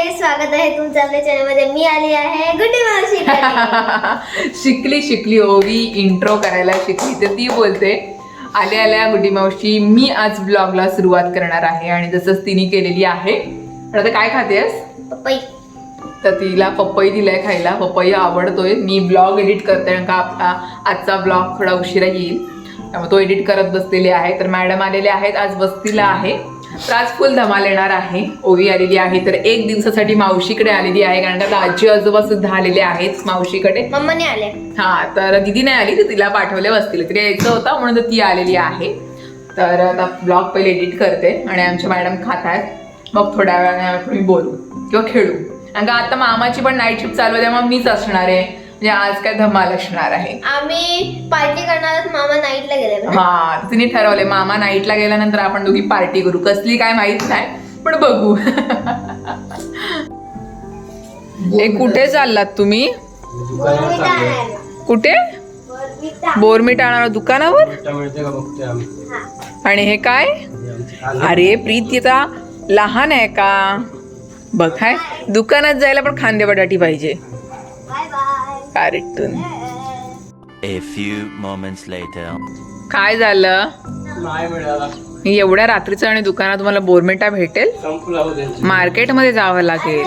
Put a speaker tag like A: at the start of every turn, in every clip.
A: स्वागत आहे तुमचं आपल्या चॅनलमध्ये. मी आली आहे गुड्डी मावशी.
B: शिकली ओवी इंट्रो करायला शिकली तर ती बोलते आल्या गुड्डी मावशी मी आज ब्लॉगला सुरुवात करणार आहे आणि जसंच तिने केलेली आहे. आता काय खातेस?
A: पपई.
B: तर तिला पपई दिलाय खायला. पपई आवडतोय. मी ब्लॉग एडिट करते कारण का आपला आजचा ब्लॉग थोडा उशिरा येईल त्यामुळे तो एडिट करत बसलेले आहे. तर मॅडम आलेले आहेत आज वस्तीला आहे. तर आज फुल धमाल येणार आहे. ओवी आलेली आहे तर एक दिवसासाठी मावशीकडे आलेली आहे कारण का आजी आजोबा सुद्धा आलेले आहेत मावशीकडे.
A: मम्माने आले.
B: हा तर दिदी नाही आली तर तिला पाठवले वस्तीला. तिला यायचं होतं म्हणून तर ती आलेली आहे. तर आता ब्लॉग पहिले एडिट करते आणि आमच्या मॅडम खात आहेत. मग थोड्या वेळाने तुम्ही बोलू किंवा खेळू कारण का आता मामाची पण नाईट शिफ्ट चालू आहे त्यामुळे मीच असणार आहे. म्हणजे आज काय धमाल असणार आहे.
A: आम्ही पार्टी करणार. मामा नाईटला गेले.
B: हा तिने ठरवले मामा नाईटला गेल्यानंतर आपण दोघी पार्टी करू. कसली काय माहित नाही पण बघू. कुठे चाललात तुम्ही? कुठे? बोरमीट आणणार दुकानावर. आणि हे काय? अरे प्रीतीचा लहान आहे का? बघ हाय दुकानात जायला पण खांदे बटाटी पाहिजे. Cartoon.
C: A few moments later.
B: काय झालं? एवढ्या रात्रीचं आणि दुकानात तुम्हाला बोरमिटा भेटेल? मार्केटमध्ये जावं लागेल.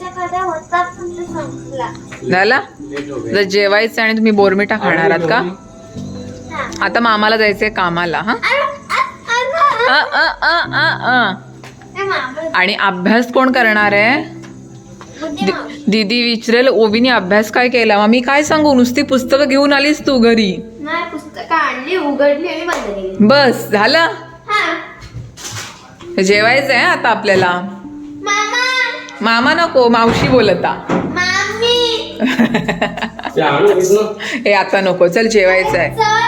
B: झालं? जर जेवायचं आणि तुम्ही बोरमिटा खाणार आहात का? आता मामाला जायचंय कामाला. हा आणि अभ्यास कोण करणार आहे? दीदी विचारेल ओवीने अभ्यास काय केला. मग मी काय सांगू? नुसती पुस्तकं घेऊन आलीस तू घरी.
A: पुस्तकं आणली, उघडली आणि बंद केली.
B: बस झालं. जेवायचंय आता आपल्याला. मामा नको मावशी बोलता. हे आता नको. चल जेवायचंय.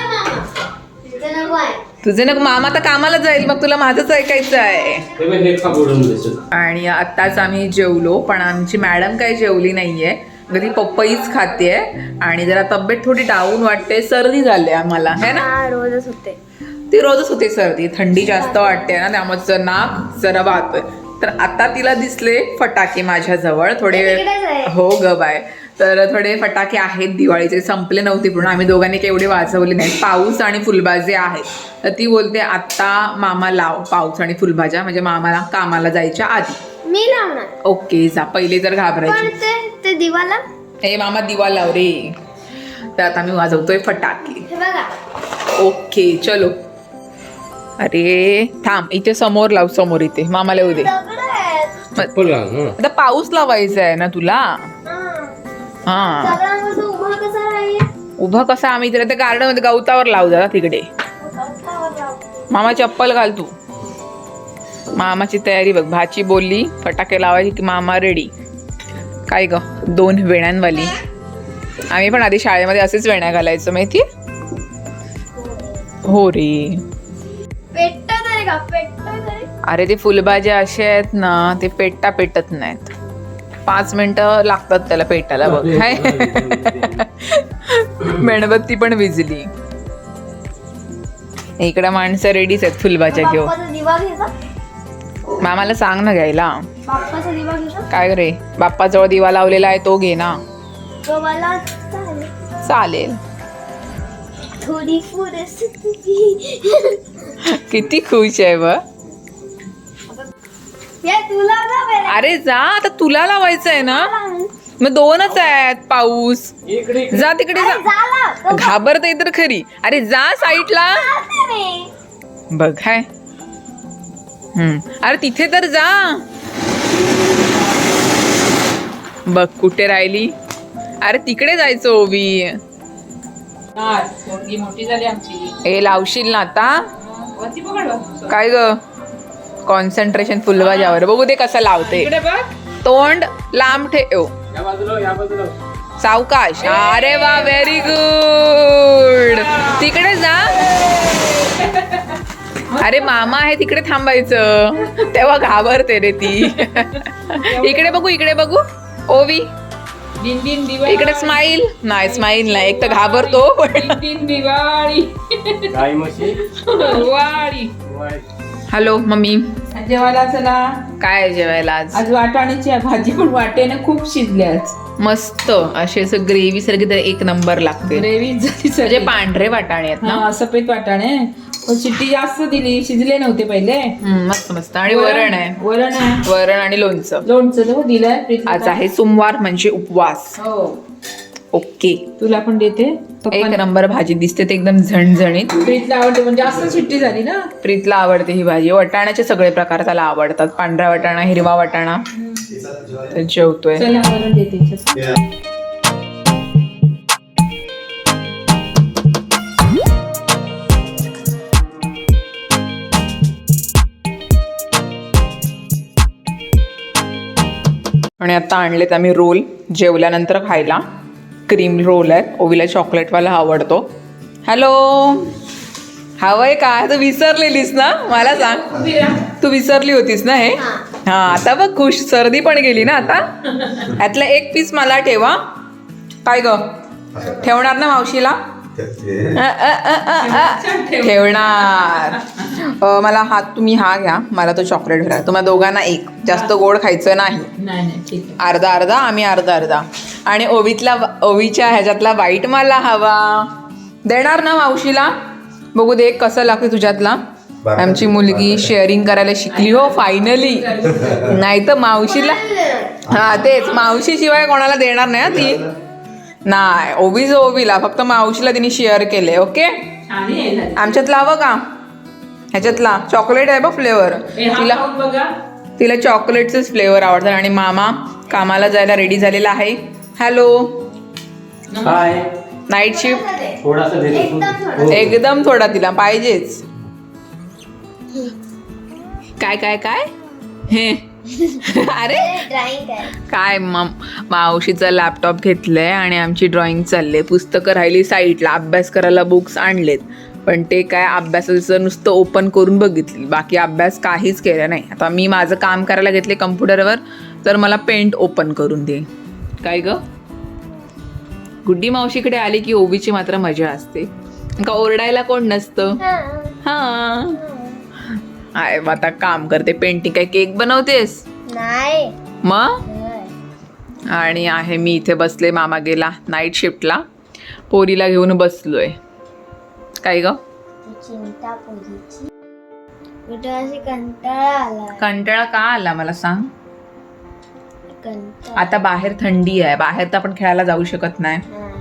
B: तुझं नको. मामा तर कामाला जाईल मग तुला माझंच ऐकायचं आहे. आणि आत्ताच आम्ही जेवलो पण आमची मॅडम काही जेवली नाहीये. घरी पपईच खाते आणि जरा तब्येत थोडी डाऊन वाटते. सर्दी झाली आम्हाला है ना.
A: रोजच होते
B: ती रोजच होते सर्दी. थंडी जास्त वाटते ना त्यामुळे नाक जरा वाहतोय. तर आता तिला दिसले फटाके माझ्या जवळ थोडे. हो ग बाय. तर थोडे फटाके आहेत दिवाळीचे. संपले नव्हते पूर्ण. आम्ही दोघांनी काही एवढे वाजवले नाहीत. पाऊस आणि फुलबाजे आहेत. तर ती बोलते आत्ता मामा लाव पाऊस आणि फुलभाज्या म्हणजे मामाला कामाला जायच्या आधी.
A: मी लावणार.
B: ओके जा. पहिले तर घाबरायची.
A: ते दिवाला.
B: हे मामा दिवा लाव रे. तर आता मी वाजवतोय फटाके. ओके चलो. अरे थांब इथे समोर लाव. समोर इथे मामाला येऊ दे. आता पाऊस लावायचा आहे ना तुला. हा उभं कसं? आम्ही इथे गार्डन मध्ये गवतावर लावू जरा तिकडे. मामा चप्पल घाल तू. मामाची तयारी बघ. भाची बोलली फटाके लावायची की मामा रेडी. काय ग 2 वेण्यांवाली. आम्ही पण आधी शाळेमध्ये असेच वेण्या घालायचो माहिती. हो रे. अरे ते फुलभाज्या अशा आहेत ना ते पेटत नाहीत. 5 मिनिटं लागतात त्याला पेटायला बघ. हाय मेणबत्ती पण विजली. इकडे माणसं रेडीच आहेत फुलभाज्या घेऊन. मामाला सांग ना घ्यायला. काय रे बाप्पाजवळ दिवा लावलेला आहे तो घे ना. चालेल. किती खुश आहे ब. अरे जा आता तुला लावायचं आहे ना. मग 2च आहेत. पाऊस जा तिकडे जा. घाबरते तर खरी. अरे जा साईडला बघ. हाय अरे तिथे तर जा. बघ कुठे राहिली. अरे तिकडे जायचं ओवी. मोठी झाली आमची. हे लावशील ना आता. काय ग कॉन्सन्ट्रेशन फुलभाज्यावर. बघू दे कसं लावते. तोंड लांब ठेव. सावकाश. अरे वा व्हेरी गुड. तिकडे जा. अरे मामा आहे तिकडे थांबायचं तेव्हा घाबरते रे ती. इकडे बघू ओवी. इकडे स्माईल नाही. स्माईल नाही. एक तर घाबरतो. हॅलो मम्मी,
D: जेवायला चला.
B: काय आहे जेवायला आज?
D: आज वाटाण्याची आहे भाजी, पण वाटेने खूप शिजली आज.
B: मस्त अशी असं ग्रेव्ही सारखी तर एक नंबर लागते.
D: ग्रेव्ही झाली
B: म्हणजे
D: सगळी.
B: पांढरे वाटाणे आहेत ना.
D: हा, सफेद वाटाणे, पण शिट्टी जास्त दिली, शिजले नव्हते पहिले.
B: मस्त मस्त. आणि वरण आहे.
D: वरण आहे,
B: वरण आणि लोणचं.
D: लोणचं तर दिलंय प्रीतीला.
B: आज आहे सोमवार म्हणजे उपवास.
D: हो,
B: ओके,
D: तुला पण देते.
B: एक नंबर भाजी दिसते ते एकदम झणझणीत.
D: प्रीतला आवडते, म्हणजे जास्त शिट्टी झाली ना.
B: प्रीतला आवडते ही भाजी. वाटाण्याचे सगळे प्रकार त्याला आवडतात. पांढरा वाटाणा, हिरवा वाटाणा. तर जेवतोय.
D: चला वरण देते हिच्यात.
B: आणि आता आणलेत आम्ही रोल जेवल्यानंतर खायला. क्रीम रोल आहे. ओवीला चॉकलेटवाला आवडतो. हॅलो, हवंय का? तू विसरलेलीस ना, मला सांग. तू विसरली होतीस ना हे. हा, आता बघ खुश. सर्दी पण गेली ना आता. यातला एक पीस मला ठेवा. काय ग, ठेवणार ना मावशीला? ठेवणार. मला तुम्ही हा घ्या, मला तो चॉकलेट घ्या. तुम्हाला दोघांना एक. जास्त गोड खायचं नाही.
D: नाही ठीक आहे.
B: अर्धा अर्धा, आम्ही अर्धा अर्धा. आणि ओवीच्या ह्याच्यातला वाईट मला हवा. देणार ना मावशीला? बघू दे कसं लागते तुझ्यातला. आमची मुलगी शेअरिंग करायला शिकली हो फायनली. नाही तर मावशीला, हा तेच, मावशी शिवाय कोणाला देणार नाही ती. नाही, ओवीला फक्त मावशीला तिने शेअर केले. ओके,
D: आणि हे झालं.
B: आमच्यातला हवं का? ह्याच्यातला चॉकलेट आहे बघ फ्लेवर.
D: हे हा
B: तिला
D: खाऊन बघा.
B: तिला चॉकलेटचेच फ्लेवर आवडतात. आणि मामा कामाला जायला रेडी झालेला आहे. हॅलो,
E: काय
B: नाईट शिफ्ट.
E: थोडासा देतो.
B: एकदम थोडा तिला पाहिजेच. काय काय काय हे अरे
A: ड्रॉइंग आहे.
B: काय मावशीचा लॅपटॉप घेतलंय आणि आमची ड्रॉइंग चालले. पुस्तकं राहिली साईडला. अभ्यास करायला बुक्स आणलेत, पण ते काय अभ्यासाचं नुसतं ओपन करून बघितली. बाकी अभ्यास काहीच केला नाही. आता मी माझं काम करायला घेतले कम्प्युटरवर, तर मला पेंट ओपन करून दे. काय ग, गुड्डी मावशीकडे आली की ओवीची मात्र मजा असते. का ओरडायला कोण नसतं. हा, आहे आता काम करते. पेंटिंग काय केक बनवतेस
A: नाही.
B: मग? आणि आहे मी इथे बसले. मामा गेला नाईट शिफ्टला. पोरीला घेऊन बसलोय. काय ग,
A: चिंता पोरीची. कुठे अशी कंटाळा आला.
B: कंटाळा का आला मला सांग?
A: कंटाळा.
B: आता बाहेर थंडी आहे. बाहेर तर आपण खेळायला जाऊ शकत नाही.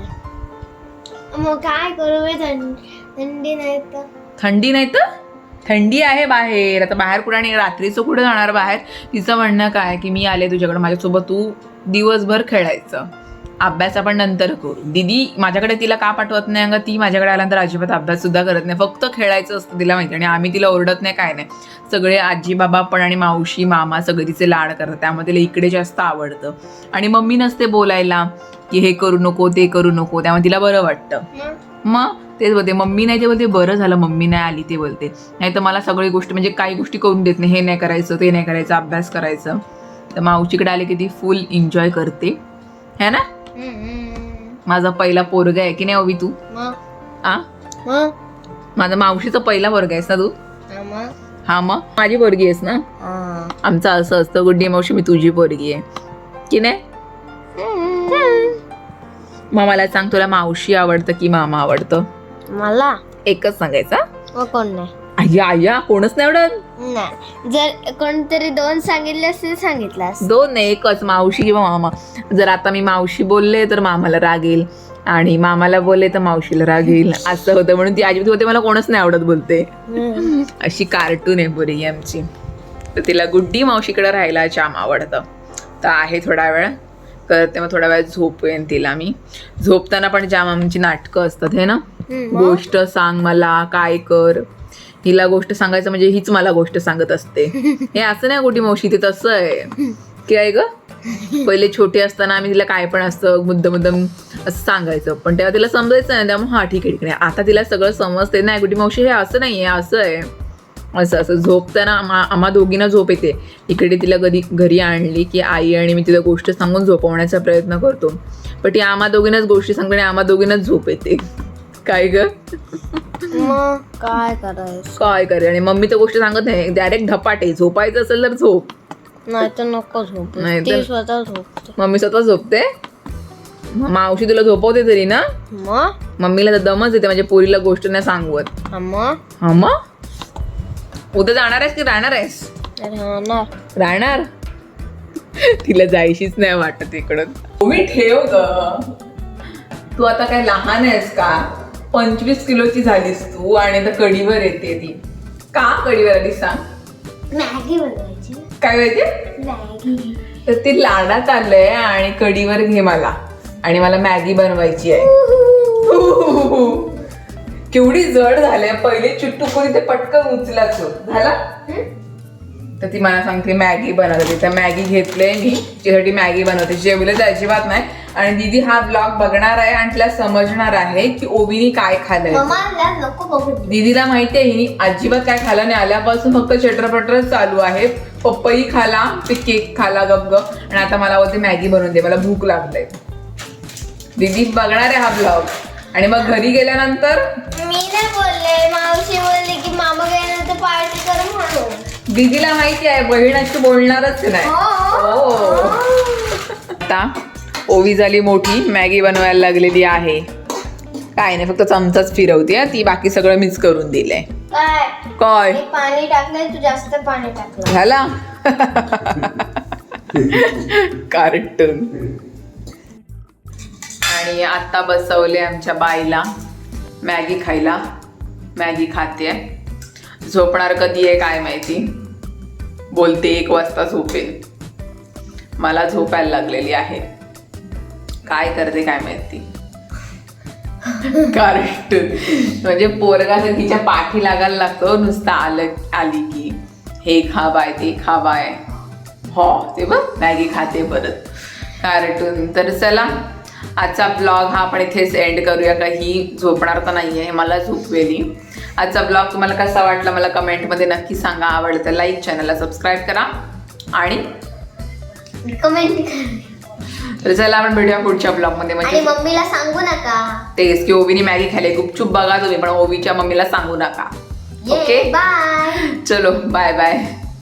A: मग काय करू मी? थंडी नाही तर.
B: थंडी नाही तर थंडी आहे बाहेर. आता बाहेर कुठे, आणि रात्रीचं कुठे जाणार बाहेर? तिचं म्हणणं काय की मी आले तुझ्याकडे, माझ्यासोबत तू दिवसभर खेळायचं. अभ्यास आपण नंतर करू. दीदी माझ्याकडे तिला का पाठवत नाही? अगं ती माझ्याकडे आल्यानंतर अजिबात अभ्यास सुद्धा करत नाही. फक्त खेळायचं असतं तिला माहिती. आणि आम्ही तिला ओरडत नाही, काय नाही. सगळे आजी बाबा पण आणि मावशी मामा सगळे तिचे लाड करतात. त्यामुळे तिला इकडे जास्त आवडतं. आणि मम्मी नसते बोलायला की हे करू नको ते करू नको, त्यामुळे तिला बरं वाटतं. मग तेच बोलते, मम्मी नाही ते बोलते, बरं झालं मम्मी नाही आली ते बोलते. नाही तर मला सगळी गोष्टी, म्हणजे काही गोष्टी करून देत नाही. हे नाही करायचं, ते नाही करायचं, अभ्यास करायचं. तर मावशीकडे आले की ती फुल एन्जॉय करते, है ना. माझा पहिला पोरगा आहे की नाही ओवी तू? आ, माझा मावशीचा पहिला पोरगा आहेस ना तू? हा, मग माझी पोरगी आहेस ना. आमचं असं असतं, गुड्डी मावशी मी तुझी पोरगी आहे की नाही. मग मला सांग, तुला मावशी आवडतं की मामा आवडतं?
A: मला
B: एकच सांगायचा.
A: मग कोण नाही.
B: आय्या आय्या, कोणच नाही आवडत?
A: नाही, जर कोणतरी दोन सांगितले असते सांगितलं असतं.
B: दोन नाही, एकच, मावशी किंवा मामा. जर आता मी मावशी बोलले तर मामाला राग येईल, आणि मामाला बोलले तर मावशीला राग येईल. असं होतं. म्हणून ती आजी होते मला कोणच नाही आवडत बोलते. अशी कार्टून आहे पोरगी आमची. तर तिला गुड्डी मावशीकडे राहायला जाम आवडतं. तर आहे थोडा वेळ करते, मग थोडा वेळ झोपेन तिला मी. झोपताना पण जाम आमची नाटकं असतात, हे ना. गोष्ट सांग मला, काय कर. हिला गोष्ट सांगायचं म्हणजे हीच मला गोष्ट सांगत असते. हे असं नाही गुड्डी मावशी, ते तसं आहे की आहे ग. पहिले छोटे असताना आम्ही तिला काय पण असतं मुद्दम असं सांगायचं, पण तेव्हा तिला समजायचं नाही. त्यामुळे हा ठीक आहे ठीक आहे. आता तिला सगळं समजते. नाही गुड्डी मावशी हे असं नाही आहे, असं आहे, असं असं. झोपताना आम्हा दोघींना झोप येते. इकडे तिला कधी घरी आणली की आई आणि मी तिला गोष्ट सांगून झोपवण्याचा प्रयत्न करतो, पण ती आम्हा दोघींनाच गोष्टी सांगते आणि आम्हा दोघींनाच झोप येते. काय ग.
A: मग काय करायचं?
B: काय करे आणि मम्मी तर गोष्ट सांगत नाही, डायरेक्ट धपाटे. झोपायचं असेल तर झोप.
A: नाही तर नको झोप.
B: नाहीतर-
A: ती स्वतः झोपते.
B: मम्मी स्वतः झोपते. मावशी तुला झोपवते तरी ना.
A: मग
B: मम्मीला तर दमच येते म्हणजे पोरीला गोष्ट नाही सांगवत.
A: मग
B: हा मग उद्या जाणार आहेस की राहणार आहेस?
A: राहणार.
B: राहणार. तिला जायशीच नाही वाटत इकडं. तुम्ही ठेव ग. तू आता काय लहान आहेस का? 25 किलोची झालीस तू आणि आता कढीवर येते ती. का कढीवर आली सांग?
A: मॅगी बनवायची.
B: काय माहिती?
A: मॅगी.
B: तर ती लाडात आलंय आणि कढीवर घे मला. आणि मला मॅगी बनवायची आहे. केवढी जड झाले. पहिले चुट्टू कोणी ते पटकन उचलाच झाला. तर ती मला सांगते मॅगी बनवते. तर मॅगी घेतले मी तिच्यासाठी मॅगी बनवते. जेवलं तर अजिबात नाही. आणि दीदी हा ब्लॉग बघणार आहे आणि तिला समजणार आहे की ओवीनी काय खाल्लंय.
A: मम्माला नको बघू.
B: दीदीला माहिती आहे हिने अजिबात काय खाल्लं नाही. आल्यापासून फक्त चटरपटरच चालू आहे. पपई खाला, ते केक खाला गप आणि आता मला बोलते मॅगी बनवून दे, मला भूक लागते. दीदी बघणार आहे हा ब्लॉग आणि मग घरी गेल्यानंतर
A: मी नाही बोलले, मावशी बोलली की मामा गेल्यानंतर पार्टी कर म्हणून.
B: दीदीला माहिती आहे बहीण अशी बोलणारच नाही. हो. आता ओवी झाली मोठी, मॅगी बनवायला लागलेली आहे. काय नाही फक्त चमचाच फिरवते ती, बाकी सगळं मीच करून दिलंय.
A: काय
B: काय
A: मी पाणी टाकलंय, तू जास्त पाणी टाकलं.
B: झाला कार्टून. आणि आता बसवले आमच्या बाईला मॅगी खायला. मॅगी खाते. झोपणार कधी आहे काय माहिती. बोलते 1 वाजता झोपेल. मला झोपायला लागलेली आहे. काय करते काय माहिती. कार्टून म्हणजे पोरगा तर तिच्या पाठी लागायला लागतो नुसतं आली की हे खा बाय ते खा बाय. हो ते बघ मॅगी खाते परत. कार्टून. तर चला आजचा ब्लॉग हा आपण इथेच एंड करूया. काही झोपणार तर नाही आहे, मला झोपवेली. आजचा ब्लॉग तुम्हाला कसा वाटला मला कमेंटमध्ये नक्की सांगा. आवडतं लाईक, चॅनलला सबस्क्राईब करा आणि
A: कमेंट करा.
B: तर चला आपण भेटूया पुढच्या ब्लॉगमध्ये.
A: आणि
B: म्हणजे
A: मम्मीला सांगू नका.
B: तेच की ओवीनी मॅगी खायला. गुपचूप बघा तुम्ही पण ओवीच्या मम्मीला सांगू नका. Okay
A: bye.
B: चलो बाय बाय.